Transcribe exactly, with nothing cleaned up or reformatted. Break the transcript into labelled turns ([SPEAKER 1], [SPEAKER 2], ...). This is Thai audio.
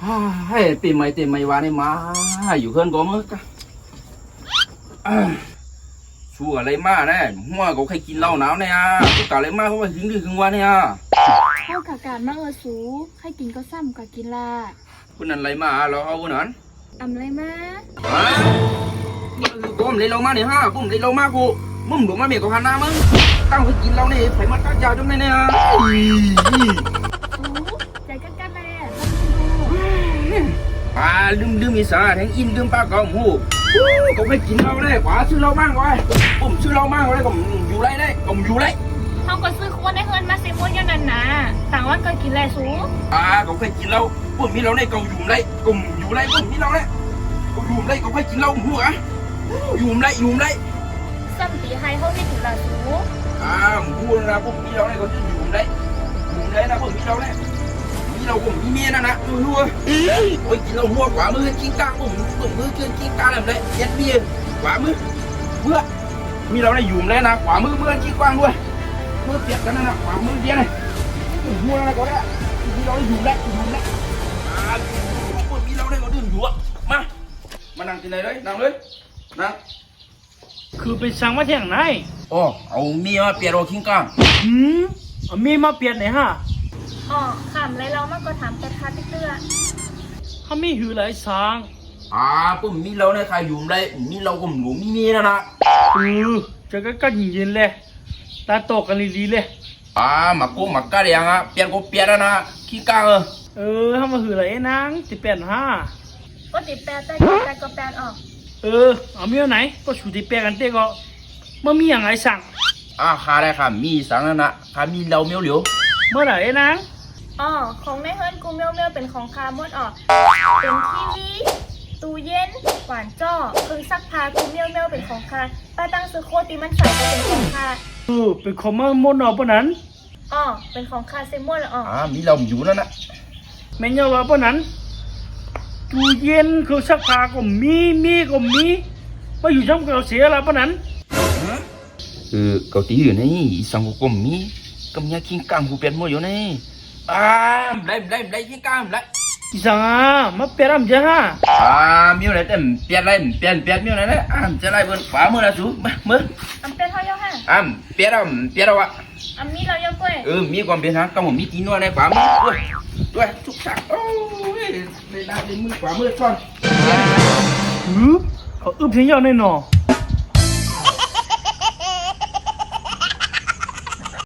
[SPEAKER 1] ให้ตีไม่ตีไม่วานี่มาอยู่เพื่อนก็มั้งชัวอะไรมาเนี่ยหัวก็ใครกินเหล้าหนาวเนี่ยกูกะอะไรมาเพราะว่าหึงดื้อหึงวาเนี่ย
[SPEAKER 2] เข้ากับการมาเออสูให้กินก็ซ้ำกับกินละ
[SPEAKER 1] คุณนั่นอะไรมาเราเอาคุณนั้น
[SPEAKER 2] อำไรมา
[SPEAKER 1] ฮะกูมันเลยเรามาเนี่ยฮะกูมันเลยเรามากูมึงหลงมาเมียกับฮันนามึงตั้งไปกินเราเนี่ยไผมันตั้งยาวจังเลยเนี่ย
[SPEAKER 2] โอ้ใจกันกันเลย
[SPEAKER 1] ปลาลืมลืมมีสาแทงอินลืมปลาเก่าหมูก็ไม่กินเราได้กว่าซื้อเราบ้างไว้ผมซื้อเราบ้างไว้ผมอยู่ไรได้ผมอยู่ไร
[SPEAKER 2] เขาก็ซื้อคนได้เงินมาเซมอนยันนันนะต่างวันก็กินแหละสู
[SPEAKER 1] อ่าก็เคยกินเราผมมีเราในเก่าอยู่ไรผมอยู่ไรผมมีเราเนี่ยก็อยู่ไรก็เคยกินเราหัวอยู่ไรอยู่ไร
[SPEAKER 2] ซ้ำตีไฮเขาให้ถึงละสู
[SPEAKER 1] อ่าหัวนะผมมีเราเนี่ยก็อยู่ไรอยู่ไรนะผมมีเราเนี่ยมีเราผมมีเมียนะนะดูหัวโอ้ยกินเราหัวกว่ามือกิ้งก้างผมผมมือเกินกิ้งก้างอะไรแบบนี้ยัดเบี้ยกว่ามือเมื่อมีเราในอยู่ไรนะกว่ามือเมื่อกิ้งก้างด้วยเมื่อเปียกกันนะกว่ามือเดียวเลยหัวอะไรก็ได้มีเราอยู่ไรอยู่ไรอ่าผมมีเราได้ก็ดื่มอยู่อ่ะมามานั่งกินเลยเลยนั่งเลยนั่ง
[SPEAKER 3] คือไปสั่งมาเที่ยงไหน
[SPEAKER 1] อ๋อเอามีมาเปลี่ยนโรคิงก้าง
[SPEAKER 3] หืมเอามีมาเปลี่ยนไหนฮะ
[SPEAKER 2] อ๋อขำไรเรามันก็ถามแต่คาเตื้อ
[SPEAKER 3] เขามีหือหลายสั่ง
[SPEAKER 1] อ่าปุ่มมีเราในใครอยู่ไรมีเราก็หนูมีมีนะนะ
[SPEAKER 3] เออจะก็ก็เย็นๆเลยตาโตกันดีๆเลย
[SPEAKER 1] อ่ามาโกมาก้าเรียงอ่ะเปลี่ยนก็เปลี่ยนนะคิงก้างเออ
[SPEAKER 3] เออทำมาหือหลายนางติเปลี่ยนฮะ
[SPEAKER 2] ก็ติแปลแต่แต่ก็แปลออก
[SPEAKER 3] เออเอามีไหนก็ชูติเปลี่ยนกันเต้ก็มันมีอย่างไรสั่ง
[SPEAKER 1] อ่าค่ะได้ค่ะมีสั่งนั่นนะค่ะมีเราเมียวเหลียว
[SPEAKER 3] เมื่อไหร่นาง
[SPEAKER 2] อ๋อของในเฮิร์นกูเมียวเมียวเป็นของคาร์มดออกเป็นทีวีตู้เย็นหวานจ้อเครื่องซักผ้ากูเมียวเมียวเป็นของคาป้าตั้งซื้อโคตีมันใส่ก็เป็นของคา
[SPEAKER 3] เออเป็นของมันมดออกปะนั้น
[SPEAKER 2] อ๋อเป็นของคาเซมอนละอ๋อ
[SPEAKER 1] อ่ามีเราอยู่นั่นนะ
[SPEAKER 3] แม่เงาว่าปะนั้นตู้เย็นเครื่องซักผ้าก็มีมีก็มีมาอยู่ช่องเราเสียแล้วปะนั้น
[SPEAKER 1] เออเกาตีอยู่นี่สังกุมมีกำยาคิงก้างกูเปลี่ยนหมดอยู่นี่อ่าไล่ไล่ไล่คิงก้างไล่
[SPEAKER 3] อีสังอ่ะมาเปลี่ยนอะไรฮะ
[SPEAKER 1] อ่ามีอะไรเต็มเปลี่ยนอะไรเปลี่ยนเปลี่ยนมีอะไรเนี่ยอ่าจะไล่บนขวามือละสูมามือ
[SPEAKER 2] อันเปลี่ยนเท่าเยอะฮะ
[SPEAKER 1] อ่าเปลี่ยนเราเปลี่ยนเราอะ
[SPEAKER 2] อันมีเราเยอะกว่า
[SPEAKER 1] เออมีความเปลี่ยนฮะก็ผมมีตีนวดในขวามือด้วยด้วยทุกฉากโอ้ยในด้านในมือขวามือซ่อน
[SPEAKER 3] อือเขาอึบเพียงยาวแน่นอน